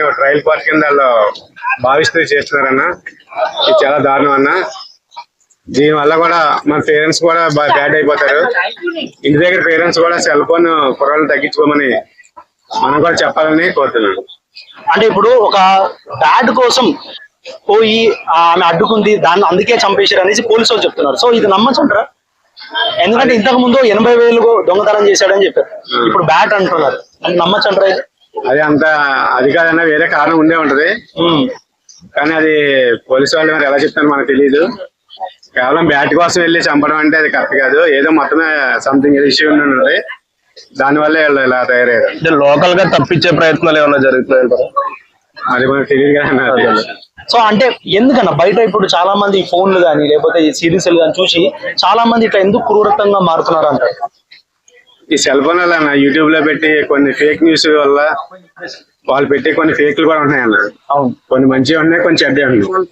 అంటే trial part కింద వాళ్ళు భావిస్తూ చేస్తున్నారన్న. ఇది చాలా దారుణం అన్న. దీని వల్ల కూడా మన పేరెంట్స్ కూడా బ్యాడ్ అయిపోతారు. ఇంటి దగ్గర పేరెంట్స్ కూడా సెల్ ఫోన్ కుర్రాళ్ళు తగ్గించుకోమని మనం కూడా చెప్పాలని కోరుతున్నాను. అంటే ఇప్పుడు ఒక బ్యాడ్ కోసం పోయి ఆమె అడ్డుకుంది, దాన్ని అందుకే చంపేశారు అనేసి పోలీసు వాళ్ళు చెప్తున్నారు. సో ఇది నమ్మచ్చంటారా? ఎందుకంటే ఇంతకు ముందు 80,000 దొంగతనం చేశాడని చెప్పారు, ఇప్పుడు బ్యాట్ అంటున్నారు. అది నమ్మచ్చంటారా? అది అంత అది కాదన్నా, వేరే కారణం ఉండే ఉంటది. కానీ అది పోలీసు వాళ్ళు మరి ఎలా చెప్తాను మనకు తెలియదు. కేవలం బ్యాట్ కోసం వెళ్ళి చంపడం అంటే అది కరెక్ట్ కాదు. ఏదో మొత్తమే సంథింగ్ ఇష్యూ ఉంటుంది, దానివల్ల ఇలా తయారయ్యారు. అంటే లోకల్ గా తప్పించే ప్రయత్నాలు ఏమైనా జరుగుతున్నాయంటారా? అది మనకు తెలియదు కదా. సో అంటే ఎందుకన్నా బయట ఇప్పుడు చాలా మంది ఫోన్లు కానీ లేకపోతే ఈ సిరీస్లు కానీ చూసి చాలా మంది ఇట్లా ఎందుకు క్రూరత్వంగా మారుతున్నారు అంటారు? ఈ సెల్ ఫోన్ వల్ల యూట్యూబ్ లో పెట్టి కొన్ని ఫేక్ న్యూస్ వల్ల వాళ్ళు పెట్టి కొన్ని ఫేక్లు కూడా ఉన్నాయి అన్న. కొన్ని మంచిగా ఉన్నాయి, కొన్ని చెడ్డే ఉన్నాయి.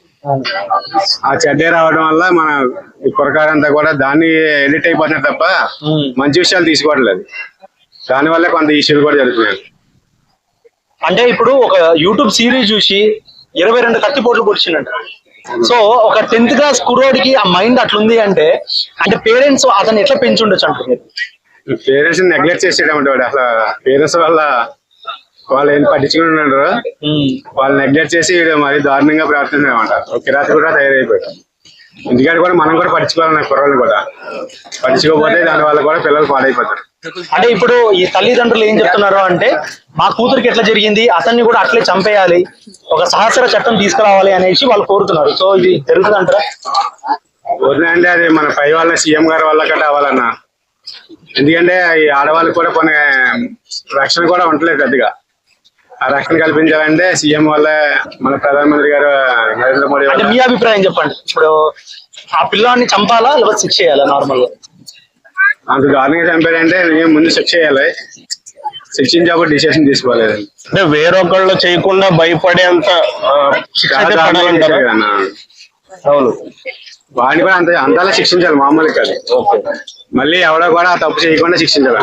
ఆ చెడ్డే రావడం వల్ల మన కురకారంతా కూడా దాన్ని ఎడిట్ అయిపోతున్నారు తప్ప మంచి విషయాలు తీసుకోవట్లేదు. దానివల్ల కొంత ఇష్యూలు కూడా జరుగుతున్నాయి. అంటే ఇప్పుడు ఒక యూట్యూబ్ సిరీస్ చూసి 22 కత్తిపోట్లు పొడిచిందంట. సో ఒక 10th క్లాస్ కుర్రోడికి ఆ మైండ్ అట్లుంది అంటే పేరెంట్స్ అతను ఎట్లా పెంచుండొచ్చు అంటారు? పేరెంట్స్ నెగ్లెక్ట్ చేసేటప్పుడు అసలు పేరెంట్స్ వల్ల వాళ్ళు ఏం పట్టించుకుని ఉన్నారు, వాళ్ళు నెగ్లెక్ట్ చేసి మరి దారుణంగా ప్రవర్తించారన్నమాట. ఒక కిరాతి కూడా తయారైపోయారు. ఇంటికాడ కూడా మనం కూడా పట్టించుకోవాలి, కుర్రలు కూడా పట్టించుకోకపోతే దాని వల్ల కూడా పిల్లలు పాడైపోతారు. అంటే ఇప్పుడు ఈ తల్లిదండ్రులు ఏం చెప్తున్నారు అంటే మా కూతురికి ఎట్లా జరిగింది అతన్ని కూడా అట్లే చంపేయాలి, ఒక సహస్ర చట్టం తీసుకురావాలి అనేసి వాళ్ళు కోరుతున్నారు. సో ఇది జరుగుతుంది అంటారా? అంటే అది మన పై వాళ్ళ సీఎం గారి వల్ల కూడా అవ్వాలన్నా. ఎందుకంటే ఈ ఆడవాళ్ళకి కూడా కొన్ని రక్షణ కూడా ఉండలేదు పెద్దగా. ఆ రక్షణ కల్పించాలంటే సీఎం వల్ల మన ప్రధానమంత్రి గారు నరేంద్ర మోడీ. అంటే మీ అభిప్రాయం చెప్పండి. ఇప్పుడు ఆ పిల్లాన్ని చంపాలా లేకపోతే శిక్ష చేయాలా? నార్మల్ గా అంత దారుణంగా చంపాడంటే ముందు శిక్ష చేయాలి, శిక్షించేప్పుడు డిసిషన్ తీసుకోలేదు. అంటే వేరొకళ్ళు చేయకుండా భయపడేంత అవును, వాడిని కూడా అంతలా శిక్షించాలి, మామూలు కాదు. మళ్ళీ ఎవడో కూడా ఆ తప్పు చేయకుండా శిక్షించాలి.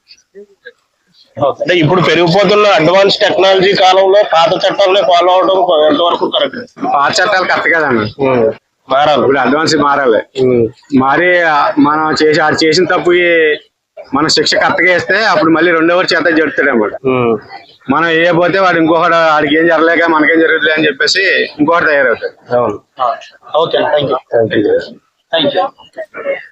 అంటే ఇప్పుడు పెరిగిపోతున్న అడ్వాన్స్ టెక్నాలజీ కాలంలో పాత చట్టాలనే ఫాలో అవడం ఎంతవరకు కరెక్ట్? పాత చట్టాలు కరెక్ట్ కదన్న, మారాలి. ఇప్పుడు అడ్వాన్స్ మారాలి. మారి మనం చేసిన తప్పుకి మనం శిక్ష కరెక్ట్ గా ఇస్తే అప్పుడు మళ్ళీ రెండో చేత జరుగుతాడు అన్నమాట. మనం వేయకపోతే వాడు ఇంకొకటి వాడికి ఏం జరగలేక మనకేం జరుగుతుంది అని చెప్పేసి ఇంకొకటి తయారవుతాడు. Okay, thank you.